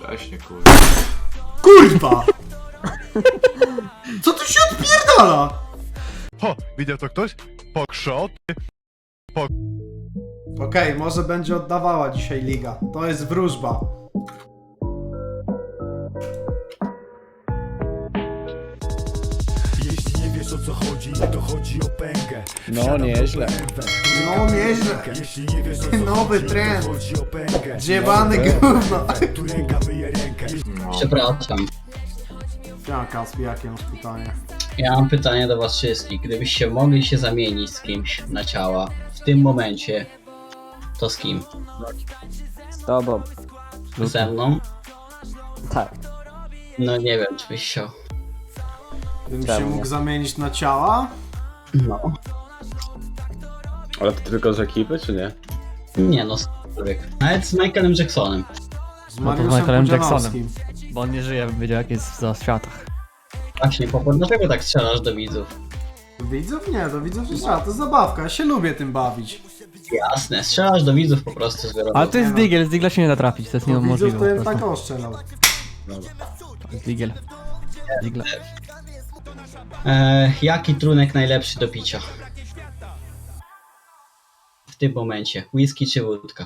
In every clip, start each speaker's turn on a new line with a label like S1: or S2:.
S1: Wcześnie, kurwa.
S2: Kurwa! Co tu się odpierdala?
S3: Ho, widział to ktoś? Pokrzot.
S2: Okej, może będzie oddawała dzisiaj liga. To jest wróżba.
S4: Jeśli nie wiesz o co chodzi, to chodzi o pękę.
S5: No nieźle.
S2: No nieźle.
S4: Jeśli nie wiesz o co
S2: Nowy
S4: chodzi,
S2: trend.
S4: to chodzi o pękę.
S2: Zjebany gówno.
S4: Tu ręka myje rękę.
S1: No.
S6: Przepraszam.
S2: Ja, Kaspi, jakie masz pytanie?
S6: Ja mam pytanie do was wszystkich. Gdybyście mogli się zamienić z kimś na ciała w tym momencie, to z kim?
S7: Z tobą.
S6: Ze mną?
S7: Tak.
S6: No nie wiem, czy byś chciał.
S2: Gdybym się
S7: Czemu
S2: mógł
S7: nie?
S2: zamienić na ciała?
S6: No.
S5: Ale to tylko z ekipy, czy nie?
S6: Nie no, człowiek. Nawet z Michaelem Jacksonem.
S2: Z
S8: to z
S2: Mariuszem
S8: Michaelem
S2: Pudzianowskim.
S8: Bo on nie żyje, bym wiedział jak jest za światach.
S6: Właśnie, Popo, dlaczego tak strzelasz do widzów?
S2: Do widzów? Nie, do widzów nie trzeba, to zabawka, ja się lubię tym bawić.
S6: Jasne, strzelasz do widzów po prostu z wyrobu.
S8: Ale to jest Digel, z Digla się nie da trafić, to jest
S2: Do widzów
S8: niemożliwe
S2: to bym
S8: po
S2: tak
S8: prostu.
S2: oszczelał.
S8: To jest Digel. Digla.
S6: Jaki trunek najlepszy do picia? W tym momencie. Whisky czy wódka?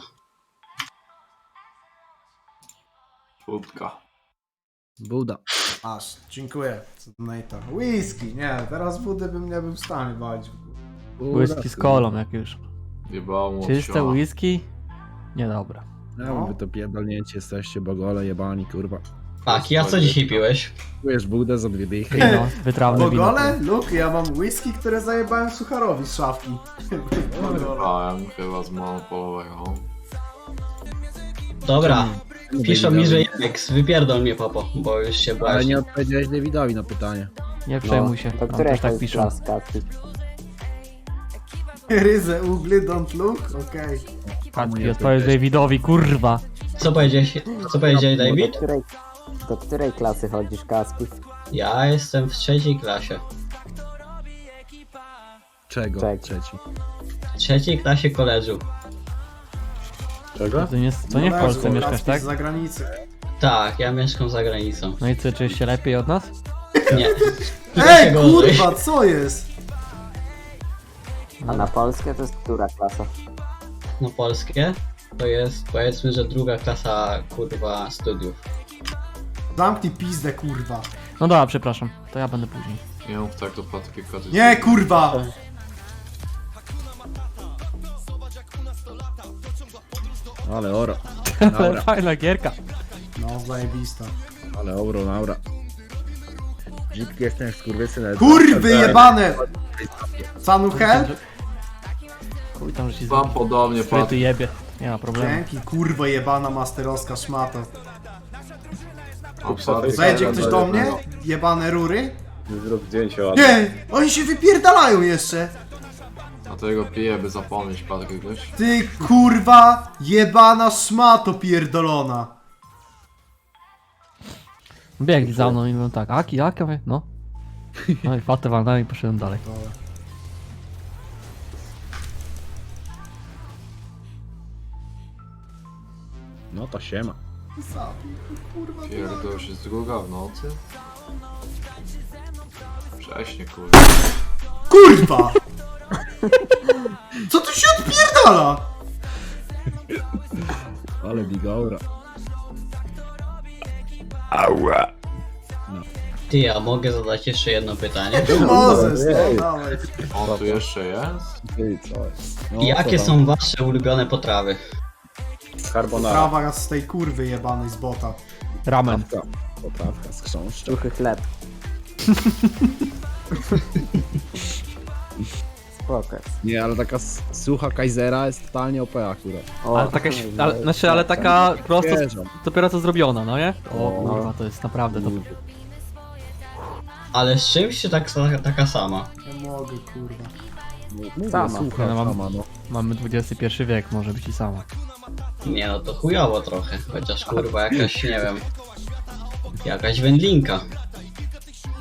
S1: Wódka.
S5: Buda.
S2: Aż, dziękuję. Co do Nate'a. Whisky, nie, teraz wody bym nie był w stanie walić.
S8: Whisky z kolą jak już.
S1: Jebało mu od
S8: Czyste
S1: siana.
S8: whisky? Niedobra.
S5: No, wy to pierdolnięcie jesteście, bogole jebani, kurwa.
S6: Tak, ja co dzisiaj piłeś?
S5: Czujesz budę za 2 dychy.
S8: No, wytrawne wino.
S2: Bogole? Luke, ja mam whisky, które zajebałem Sucharowi z szafki. Bogole.
S1: Brałem chyba z monopolowego.
S6: Dobra, piszą mi, że Jex, wypierdol mnie Popo, bo już się
S5: Ale
S6: błaźni.
S5: nie odpowiedziałeś Dawidowi na pytanie.
S8: Nie przejmuj się,
S7: Do
S8: tam
S7: której
S8: też tak
S7: to jest
S8: piszą.
S7: klaska?
S2: Ryzę ugly, don't look? Okej.
S8: Katki, odpowiedz Davidowi, kurwa.
S6: Co powiedziałeś David?
S7: Do której klasy chodzisz, Kaspi?
S6: Ja jestem w 3. klasie.
S5: Czego?
S7: Czego?
S5: Trzeci.
S6: W 3. klasie koledżu.
S5: Czego?
S8: To nie w Polsce mieszkasz, tak?
S2: Z zagranicy.
S6: Tak, ja mieszkam za granicą.
S8: No i co, czujesz się lepiej od nas?
S6: Nie.
S2: Ej,
S6: Gorzej.
S2: kurwa, co jest?
S7: A na polskie to jest która klasa?
S6: No polskie to jest powiedzmy, że 2. klasa kurwa studiów.
S2: Zamknij pizdę, kurwa.
S8: No dobra, przepraszam, to ja będę później.
S1: Nie mów tak do Patryka. ty-
S2: Nie, kurwa!
S5: Ale oro.
S8: Ale
S5: Naura.
S8: fajna gierka.
S2: No, zajebista.
S5: Ale oro, naura. Brzydki jestem jak skurwysyn.
S2: Kurwy jebane! Sanu help?
S8: Chuj tam, że ci
S1: Wam podobnie,
S8: Fryty
S1: Patryk.
S8: jebie. Nie ma problemu.
S2: Dzięki, kurwa jebana masterowska szmata.
S1: A Patryk-
S2: Zajdzie ktoś do mnie? Jebane rury?
S5: Zrób zdjęcie ładne.
S2: Nie! Oni się wypierdalają jeszcze!
S1: A tego pije, by zapomnieć, Patryk, wiesz?
S2: Ty kurwa jebana szmato pierdolona!
S8: Biegli za mną i mówią tak, aki, no. No i fatę walnąłem i poszedłem dalej.
S5: No to siema.
S2: Kurwa,
S1: Pierdol się z druga w nocy. Wcześnie, kurwa.
S2: kurwa! Co tu się odpierdala?
S5: Ale bigaura.
S6: Ty, a mogę zadać jeszcze jedno pytanie?
S2: Mozes, no dawaj.
S1: On tu jeszcze jest?
S5: Ty, co jest? No,
S6: Jakie
S5: co tam?
S6: są wasze ulubione potrawy?
S5: Carbonara.
S2: Prawa z tej kurwy jebanej z bota.
S8: Ramen.
S5: Poprawka z chrząszcza.
S7: Suchy chleb. Spoko.
S5: Nie, ale taka sucha Kaisera jest totalnie OP akurat.
S7: O,
S8: Ale taka,
S7: no,
S8: ale taka prosto,
S5: Wierzę.
S8: dopiero co zrobiona, no nie? O
S5: No.
S8: kurwa, to jest naprawdę to.
S6: Ale z czymś czy taka sama?
S2: Nie mogę, kurwa.
S5: Mówię,
S7: Sama.
S5: sucha,
S8: Ja mam-
S5: sama, no.
S8: Mamy XXI wiek, może być i sama.
S6: Nie no, to chujowo trochę. Chociaż kurwa jakaś, nie wiem... Jakaś wędlinka.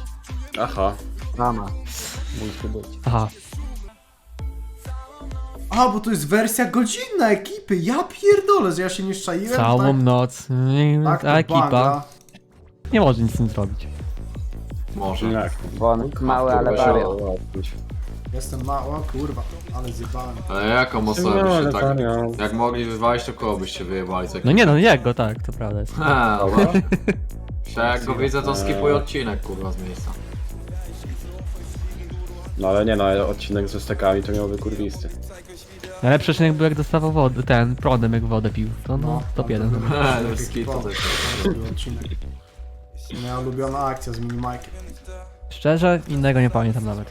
S5: Aha.
S7: Mama. Musi być.
S8: Aha.
S2: A, bo to jest wersja godzinna ekipy. Ja pierdolę, że ja się nie szczaiłem.
S8: Całą noc.
S2: tak,
S8: Ta
S2: to
S8: ekipa
S2: banga.
S8: nie może nic z tym zrobić.
S1: Może.
S5: Jak?
S7: Bo on mały, ale
S1: Kurwa,
S7: wariat.
S2: Jestem mało, kurwa, ale zjebałem.
S1: Ale jaką osobę byście tak... Jak mogli wywalić, to kogo byście wyjebali?
S8: No nie no, jak go tak, to prawda jest.
S1: Ha, dobra. Jak go widzę, to skipuję odcinek, kurwa, z miejsca.
S9: No ale nie no, odcinek ze stekami to miałby kurwisty.
S8: Najlepszy odcinek był jak dostawał wodę, ten prądem jak wodę pił. To no, top 1.
S1: No, skip to też.
S2: Moja ulubiona akcja z minimajkiem.
S8: Szczerze, innego nie pamiętam nawet.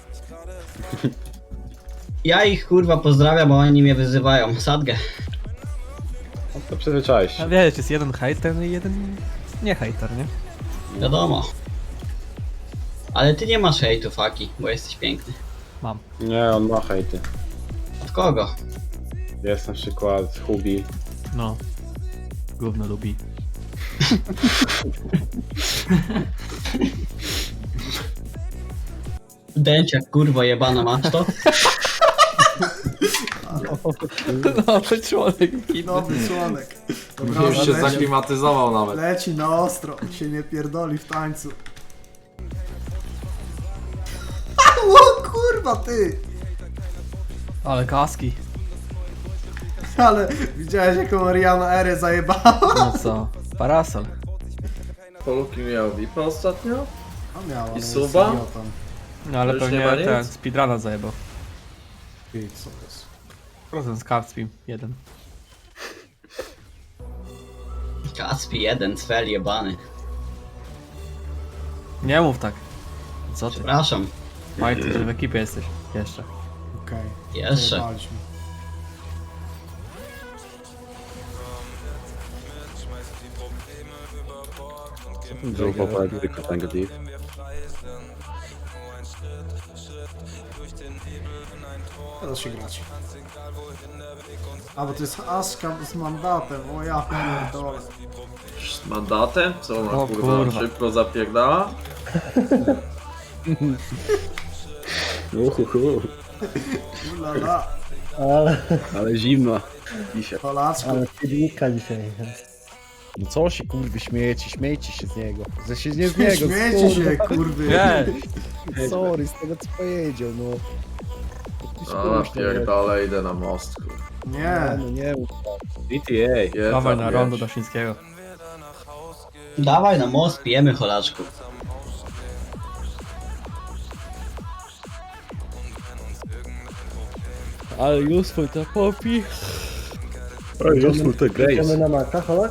S6: Ja ich kurwa pozdrawiam, bo oni mnie wyzywają. Sadgę.
S9: No to przyzwyczaisz
S8: A
S9: się.
S8: wiesz, jest jeden hejter, no i jeden nie hejter, nie?
S6: Wiadomo. Ale ty nie masz hejtu, Faki, bo jesteś piękny.
S8: Mam.
S9: Nie, on ma hejty.
S6: Od kogo?
S9: Jest na przykład Hubi.
S8: No. Gówno lubi.
S6: Dęciak, kurwa jebana, masz to?
S8: Nowy człowiek.
S2: Nowy członek. Dobra,
S1: Już się
S2: leci,
S1: zaklimatyzował nawet.
S2: leci na ostro, się nie pierdoli w tańcu. O kurwa ty!
S8: Ale kaski.
S2: Ale widziałeś jaką Ariana Erę zajebała?
S8: No co? Parasol.
S10: Poluki miał VIP ostatnio?
S2: A miała, ale jest
S10: suba?
S2: idiotą.
S8: No ale
S10: Już
S8: pewnie
S10: nie ma nic?
S8: ten speedruna zajebał.
S2: Ty, co to jest?
S8: Procent z Cardspeed 1.
S6: Kaspi jeden, cfel jebany.
S8: Nie mów tak. Co ty?
S6: Przepraszam.
S8: Pamiętaj, że w ekipie jesteś. Jeszcze.
S2: Okej.
S6: Jeszcze.
S2: Zajebaliśmy.
S9: Był poprawny tylko ten gdy.
S2: Teraz się grać. A, bo to jest Aska z mandatem, o ja pierdolę.
S10: Z mandatem? Co ona
S8: O
S10: kurwa
S8: kurwa.
S10: szybko zapierdala?
S2: Ulala,
S5: Ale zimno.
S2: Polaczku.
S5: No co się kurwy śmiejecie się z niego. Że się nie z niego,
S2: Śmiejcie się, kurwy.
S8: Ej!
S5: Sorry, z tego co powiedział, no.
S10: A pierdolę, idę na most, kurwa.
S2: Nie,
S5: No nie mów.
S9: GTA.
S10: Je
S8: Dawaj
S10: tam,
S8: na rondo
S10: wiesz.
S8: do Świńskiego.
S6: Dawaj na most, pijemy cholaczku.
S5: Ale useful to popi.
S9: Useful to Grace.
S5: na maka, holak?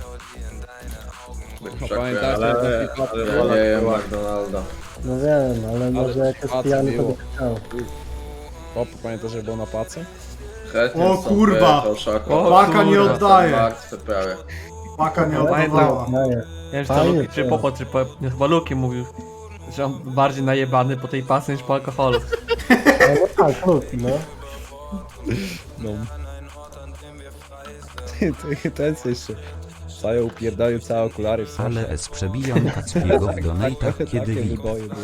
S10: Pamiętaj,
S9: Ale
S10: ale nie jem McDonalda.
S5: No wiem, ale może jak jest pijany to by
S9: chciał. Pop, pamiętasz, że był na pacy?
S10: Chętnie
S2: O,
S10: stąd
S2: kurwa.
S10: wyjechał Szako.
S8: O,
S2: Paka nie
S8: kurwa.
S2: oddaje.
S10: Martwe prawie.
S2: Paka nie
S8: Pamiętam.
S2: oddawała.
S8: Nie wiem, czy to Luki, czy Popo, czy po, nie, chyba Luki mówił, że on bardziej najebany po tej pasy niż po alkoholu.
S5: No tak, no. No. Ten co jeszcze zajął upierdolił całe okulary w sensie.
S11: Ale S przebijam Kacpiego w donatach, kiedy
S5: Takie
S11: VIP.
S5: wyboje były.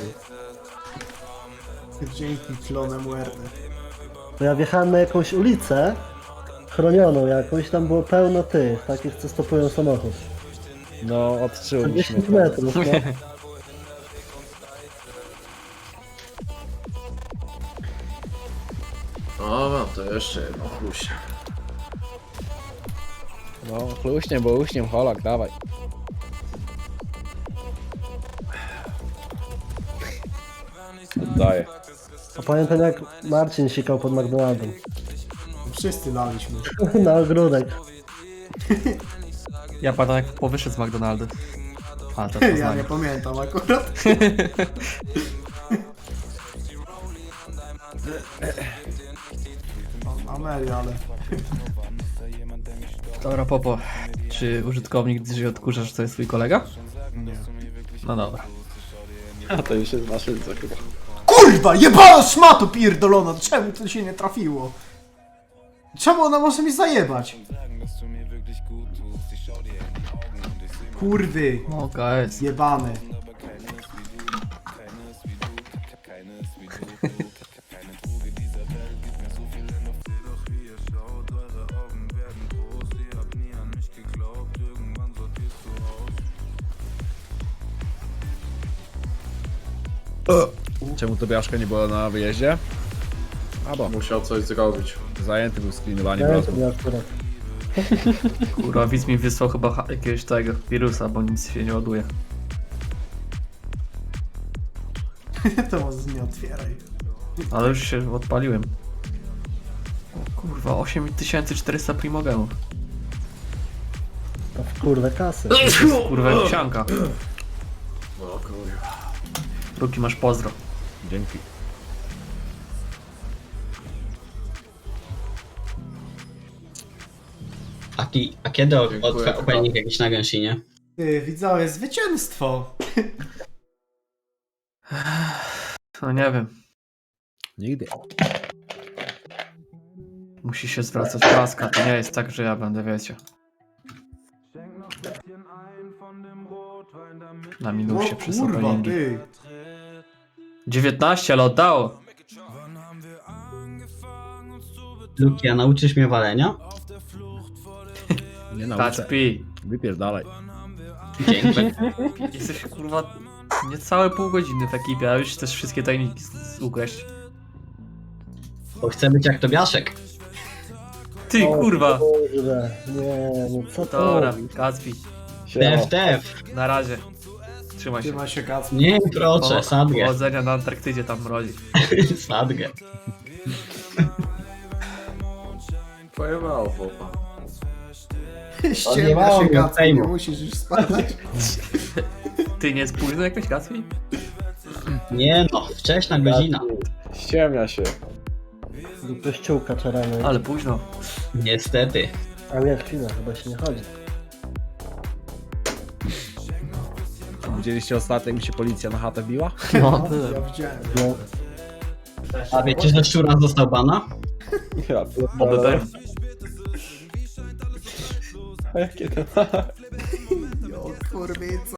S2: Dzięki Clone Muerte.
S12: To ja wjechałem na jakąś ulicę chronioną jakąś, tam było pełno tych, takich co stopują samochód.
S5: No, odczuł
S12: 10 metrów, no.
S10: O, mam to jeszcze jedno chlusie.
S5: No, chluśnie, bo uśniem holak, dawaj. Daję.
S12: A pamiętam jak Marcin sikał pod McDonaldem.
S2: Wszyscy laliśmy.
S12: Na ogródek.
S8: Ja pamiętam jak Popo wyszedł z McDonaldy. A, to
S2: Ja
S8: Poznanie.
S2: nie pamiętam akurat. Amelia, ale...
S8: Dobra, Popo. Czy użytkownik dzisiaj odkurza, że to jest twój kolega?
S2: Nie.
S8: No dobra.
S9: A to już jest maszynce chyba.
S2: Kurwa, jebana szmato pierdolona, czemu to się nie trafiło? Czemu ona może mi zajebać? Kurwy,
S8: No guys.
S2: jebane.
S5: Czemu Tobiaszka nie było na wyjeździe? A bo
S10: Musiał coś zrobić.
S5: zajęty był screenowaniem
S12: Nie, to
S5: rozmów.
S12: nie akurat.
S8: Kurwa, widz mi wysłał chyba jakiegoś tego wirusa, bo nic się nie ładuje.
S2: To może nie otwieraj.
S8: Ale już się odpaliłem. O kurwa, 8400 primogemów.
S12: To w kurde kasy.
S8: Kurwa, wsianka.
S10: O kurwa.
S8: Ruki, masz pozdro.
S5: Dzięki.
S6: A kiedy
S10: Dziękuję,
S6: opening jakiś na gęsinie?
S2: Ty, widzowie, zwycięstwo!
S8: No nie wiem.
S5: Nigdy.
S8: Musi się zwracać klaska. To nie jest tak, że ja będę, wiecie. Na minusie przy
S2: kurwa,
S8: openingi.
S2: ty!
S8: 19, ale oddało.
S6: Luki, a nauczysz mnie walenia?
S5: Nie nauczę.
S8: Kacpi.
S5: Wypierdalaj.
S6: Dzięki.
S8: Jesteś kurwa niecałe pół godziny w ekipie, a już chcesz wszystkie tajniki ukraść.
S6: Bo chcę być jak Tobiaszek.
S8: Ty kurwa.
S12: Kurde, nie, co to?
S8: Dobra, Kacpi.
S6: TF.
S8: Na razie. Trzymaj się.
S2: Trzyma się kac.
S6: Nie, proszę, sadgę.
S8: Powodzenia na Antarktydzie, tam mrozi.
S6: Sadgę.
S10: Pojebało chłopa.
S2: Ściemnia
S6: mało
S2: się
S6: miał
S2: kac, nie
S6: fejmu.
S2: musisz już spadać.
S8: Ty nie jest późno jakoś, Kacpi?
S6: Nie no, wcześna godzina.
S9: Ściemnia się.
S12: Do kościółka czarany.
S8: Ale późno.
S6: Niestety.
S12: A nie, chwilę, chyba się nie chodzi.
S5: Widzieliście ostatnio, jak mi się policja na chatę biła?
S8: No,
S2: Ja widziałem.
S12: No,
S6: A wiecie, że Szczura został bana?
S9: Ja
S8: oby był.
S9: A jakie to?
S2: Jo, kurwica.